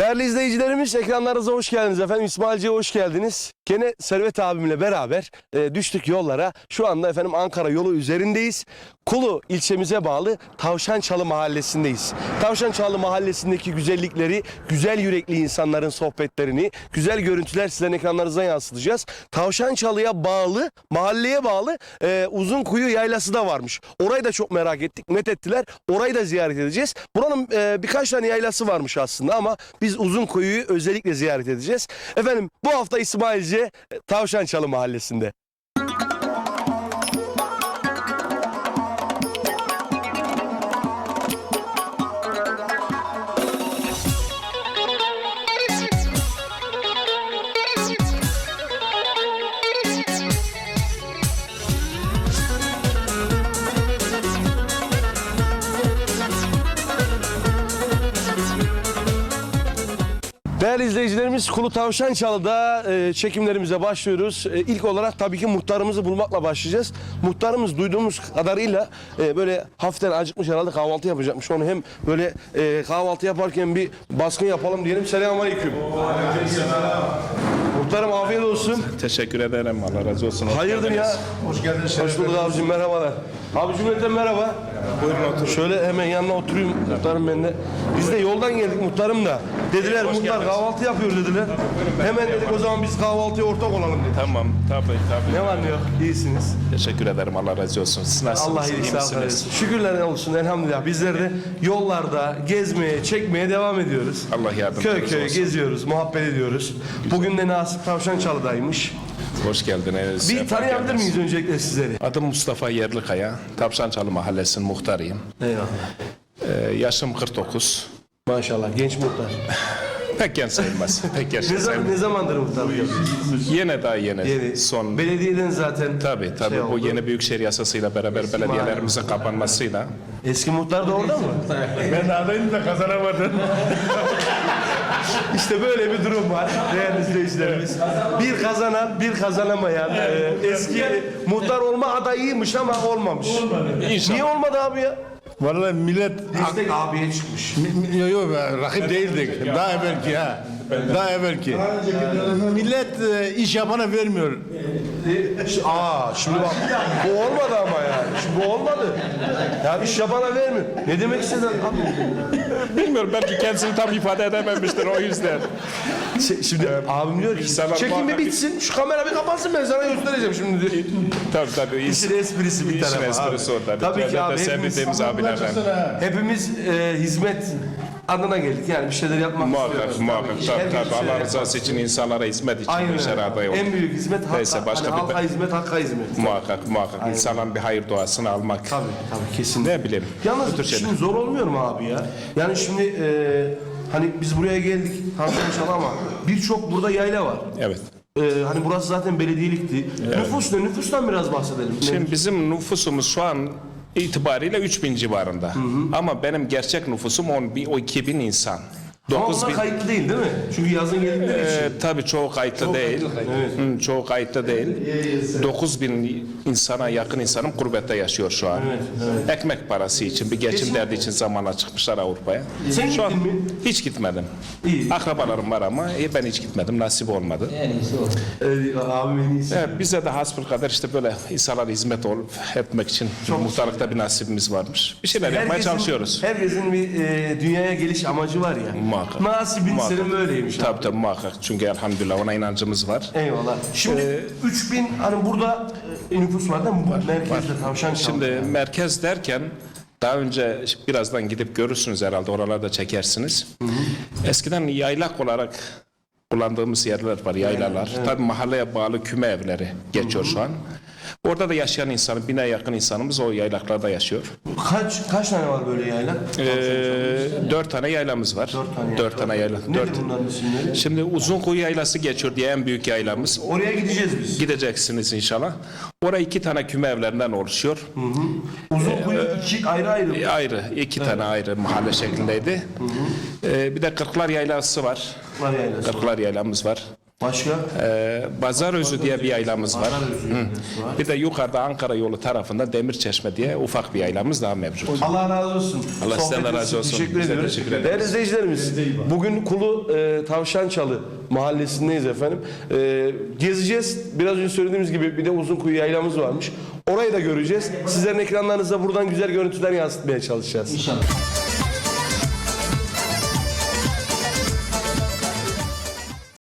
Değerli izleyicilerimiz, ekranlarınıza hoş geldiniz efendim. İsmailci'ye hoş geldiniz. Gene Servet abimle beraber düştük yollara. Şu anda efendim Ankara yolu üzerindeyiz. Kulu ilçemize bağlı Tavşançalı mahallesindeyiz. Tavşançalı mahallesindeki güzellikleri, güzel yürekli insanların sohbetlerini, güzel görüntüler sizlerin ekranlarınıza yansıtacağız. Tavşançalı'ya bağlı, mahalleye bağlı Uzunkuyu yaylası da varmış. Orayı da çok merak ettik, methettiler. Orayı da ziyaret edeceğiz. Buranın birkaç tane yaylası varmış aslında ama biz Uzunkuyu'yu özellikle ziyaret edeceğiz. Efendim bu hafta İsmailce Tavşançalı mahallesinde. Değerli izleyicilerimiz, Kulu Tavşançalı'da çekimlerimize başlıyoruz. İlk olarak tabii ki muhtarımızı bulmakla başlayacağız. Muhtarımız duyduğumuz kadarıyla böyle hafiften acıkmış, herhalde kahvaltı yapacakmış. Onu hem böyle kahvaltı yaparken bir baskın yapalım diyelim. Selamünaleyküm. Muhtarım afiyet olsun. Teşekkür ederim. Allah razı olsun. Hayırdır ya? Hoş geldiniz. Hoş bulduk abicim, merhabalar. Abi cümleten merhaba. Buyurun oturun. Şöyle hemen yanına oturayım muhtarım ben de. Biz de yoldan geldik muhtarım da. Dediler muhtar kahvaltı yapıyor dediler. Hemen dedik o zaman biz kahvaltıya ortak olalım dedik. Tamam. Tabii. Ne var ne yok? İyisiniz. Teşekkür ederim. Allah razı olsun. Siz nasılsınız? Allah İyi iyilik sağlık misiniz? versin. Şükürler olsun elhamdülillah. Bizler de yollarda gezmeye, çekmeye devam ediyoruz. Allah yardımcınız Köy olsun. geziyoruz, muhabbet ediyoruz. Bugün de Nasip Tavşançalı'daymış. Hoş geldiniz. Bir Sefa tanıyabilir geldiniz. miyiz öncelikle sizleri? Adım Mustafa Yerlikaya. Tavşançalı Mahallesi'nin muhtarıyım. Eyvallah. Yaşım 49. Maşallah genç muhtar. Pek genç sayılmaz. Pek genç sayılmaz. Ne zamandır muhtarlık yapıyorsunuz? Yeni. Son. Belediyeden zaten Tabii. şey Bu oldu. yeni Büyükşehir Yasası'yla beraber belediyelerimizin kapanmasıyla. Eski muhtar da orada mı? Ben adayım da kazanamadım. İşte böyle bir durum var değerli izleyicilerimiz. Bir kazanan, bir kazanamayan eski muhtar olma adayıymış ama olmamış. İnşallah. Niye olmadı abi ya? Vallahi millet Destek abiye çıkmış. yok rakip değildik. Daha evvelki ha. Daha evvelki. Millet iş yapana vermiyor. Şimdi bak bu olmadı ama yani. Şimdi bu olmadı. Ya iş yapana vermiyor. Ne demek istedin abi? Bilmiyorum, belki kendisini tam ifade edememiştir o yüzden. Şimdi abim diyor ki İnsanlar çekimi muhakkak- bitsin, şu kamera bir kapansın, ben sana göstereceğim şimdi diyor. Tabii. İşin esprisi bir İşin tarafa esprisi abi. orada. Tabii ki abi Sevdiğimiz abilerden. hepimiz hizmet adına geldik. Yani bir şeyler yapmak istiyoruz. Muhakkak. Tabii ki. Tabii. Herkes Allah şeyler rızası için, insanlara hizmet için Aynen bu işe öyle. aday oldu. En büyük hizmet hakka, Neyse, başka hani bir- halka hizmet, hakka hizmet. Muhakkak. İnsanların bir hayır duasını almak. Tabii kesin. Ne bileyim. bu Yalnız tür şeyler. şimdi zor olmuyor mu abi ya? Yani şimdi hani biz buraya geldik Tavşançalı ama birçok burada yayla var. Evet. Hani burası zaten belediyelikti. Nüfus ne? Nüfustan biraz bahsedelim. Şimdi bizim nüfusumuz şu an itibariyle 3000 civarında. Ama benim gerçek nüfusum 12 bin insan. Ama 9 onlar bin. kayıtlı değil mi? Çünkü yazın geldikleri için. Tabii çoğu kayıtlı değil. Çoğu kayıtlı değil. 9 bin insana yakın insanım gurbette yaşıyor şu an. Ekmek parası için, bir geçim derdi için zamana çıkmışlar Avrupa'ya. Sen Şu an gittin mi? hiç gitmedim. İyi. Akrabalarım var ama ben hiç gitmedim. Nasip olmadı. Abim en iyisi. Evet, bize de hasbelkader işte böyle insanlara hizmet etmek için muhtarlıkta bir nasibimiz varmış. Bir şeyler yapmaya çalışıyoruz. Herkesin bir dünyaya geliş amacı var ya. Muhakkak. Nasibin Muhakkak. senin böyleymiş. Tabii muhakkak. Çünkü elhamdülillah ona inancımız var. Eyvallah. Şimdi 3000 hani burada nüfus var değil mi? Bu merkezde Tavşançalı. Şimdi merkez derken daha önce birazdan gidip görürsünüz herhalde, oralarda çekersiniz. Eskiden yaylak olarak kullandığımız yerler var, yaylalar. Tabii mahalleye bağlı küme evleri geçiyor şu an. Orada da yaşayan insanın, 1000'e yakın insanımız o yaylaklarda yaşıyor. Kaç tane var böyle yayla? 4 tane yaylamız var. 4 tane yayla. Nedir bunların isimleri? Şimdi Uzunkuyu Yaylası geçiyor diye en büyük yaylamız. Oraya gideceğiz biz. Gideceksiniz inşallah. Oraya 2 tane küme evlerinden oluşuyor. Uzunkuyu iki ayrı. Ayrı, 2 tane ayrı mahalle şeklindeydi. Bir de Kırklar Yaylası var. Var yaylası. Kırklar Yaylamız var. Başka? Bazarözü diye bir yaylamız var. Bazarözü Hı. Bir de yukarıda Ankara yolu tarafında Demirçeşme diye ufak bir yaylamız daha mevcut. Allah razı olsun. Allah sizden de Sohbetiniz razı için olsun. Teşekkür Biz de ediyoruz. teşekkür ederiz. Değerli izleyicilerimiz, bugün Kulu Tavşançalı mahallesindeyiz efendim. Gezeceğiz. Biraz önce söylediğimiz gibi bir de Uzunkuyu yaylamız varmış. Orayı da göreceğiz. Sizlerin ekranlarınızda buradan güzel görüntüler yansıtmaya çalışacağız. İnşallah.